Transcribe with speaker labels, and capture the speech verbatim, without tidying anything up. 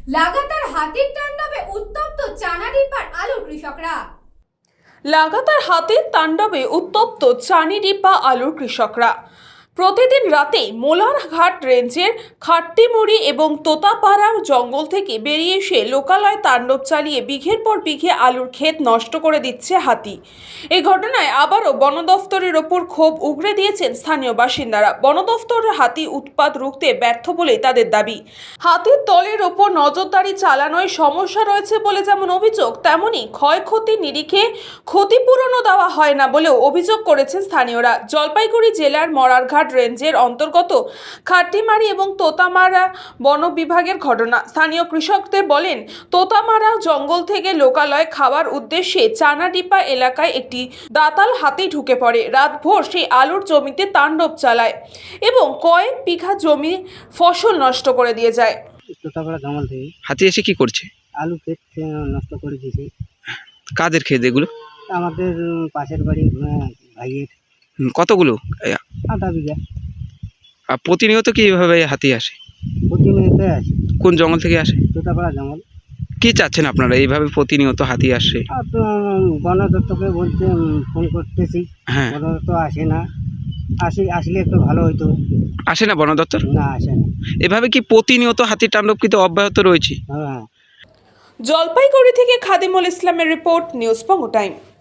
Speaker 1: লাগাতার হাতির তাণ্ডবে উত্তপ্ত চানাডিপার আলুর কৃষকরা।
Speaker 2: লাগাতার হাতির তাণ্ডবে উত্তপ্ত চানিডিপা আলুর কৃষকরা। প্রতিদিন রাতে মোলারঘাট রেঞ্জের খাট্টিমুড়ি এবং তোতাপাড়া জঙ্গল থেকে বেরিয়ে এসে লোকালয়ে তাণ্ডব চালিয়ে বিঘের পর বিঘে আলুর ক্ষেত নষ্ট করে দিচ্ছে হাতি। এই ঘটনায় আবারও বন দফতরের ওপর ক্ষোভ উগরে দিয়েছেন স্থানীয় বাসিন্দারা। বন দফতরের হাতি উৎপাত রুখতে ব্যর্থ বলেই তাদের দাবি। হাতির দলের ওপর নজরদারি চালানোয় সমস্যা রয়েছে বলে যেমন অভিযোগ, তেমনই ক্ষয়ক্ষতির নিরিখে ক্ষতিপূরণও দেওয়া হয় না বলেও অভিযোগ করেছেন স্থানীয়রা। জলপাইগুড়ি জেলার মরারঘাট রেঞ্জের অন্তর্গত খাট্টিমারি এবং তোতামারা বন বিভাগের ঘটনা। স্থানীয় কৃষকদের বলেন, তোতামারা জঙ্গল থেকে লোকালয় খাওয়ার উদ্দেশ্যে চানাডিপা এলাকায় একটি দাতাল হাতি ঢুকে পড়ে। রাতভর সেই আলুর জমিতে তাণ্ডব চালায় এবং কয়েক বিঘা জমি ফসল নষ্ট করে দিয়ে যায়।
Speaker 3: তোতাপাড়া জঙ্গল থেকে
Speaker 4: হাতি এসে কি করছে?
Speaker 3: আলু ক্ষেত আহ, নষ্ট করে দিয়েছে।
Speaker 4: কাদের ক্ষেত এগুলো?
Speaker 3: আমাদের উম, পাশের বাড়ি আহ, ভাইয়ের
Speaker 4: হুম, কতগুলো? এ,
Speaker 3: আধা বিঘা
Speaker 4: আর প্রতিনিয়ত কি এভাবে হাতি আসে?
Speaker 3: প্রতিনিয়ত আছে।
Speaker 4: কোন জঙ্গল থেকে আসে?
Speaker 3: তোতাপাড়া জঙ্গল।
Speaker 4: কি চাচ্ছেন আপনারা এইভাবে প্রতিনিয়ত হাতি আসে?
Speaker 3: আর তো উম, বন দপ্তরকে বলতে উম, ফোন করতেছি,
Speaker 4: হ্যাঁ,
Speaker 3: বন দপ্তর আসে না। আসি আসলে একটু ভালো হইতো।
Speaker 4: আসে না বন দপ্তর?
Speaker 3: না, আসে না।
Speaker 4: এভাবে কি প্রতিনিয়ত হাতির তাণ্ডব কিন্তু অব্যাহত রয়েছে?
Speaker 3: হ্যাঁ।
Speaker 2: জলপাইগুড়ি থেকে খাদিমুল ইসলামের রিপোর্ট, নিউজ পঙ্গো টাইম।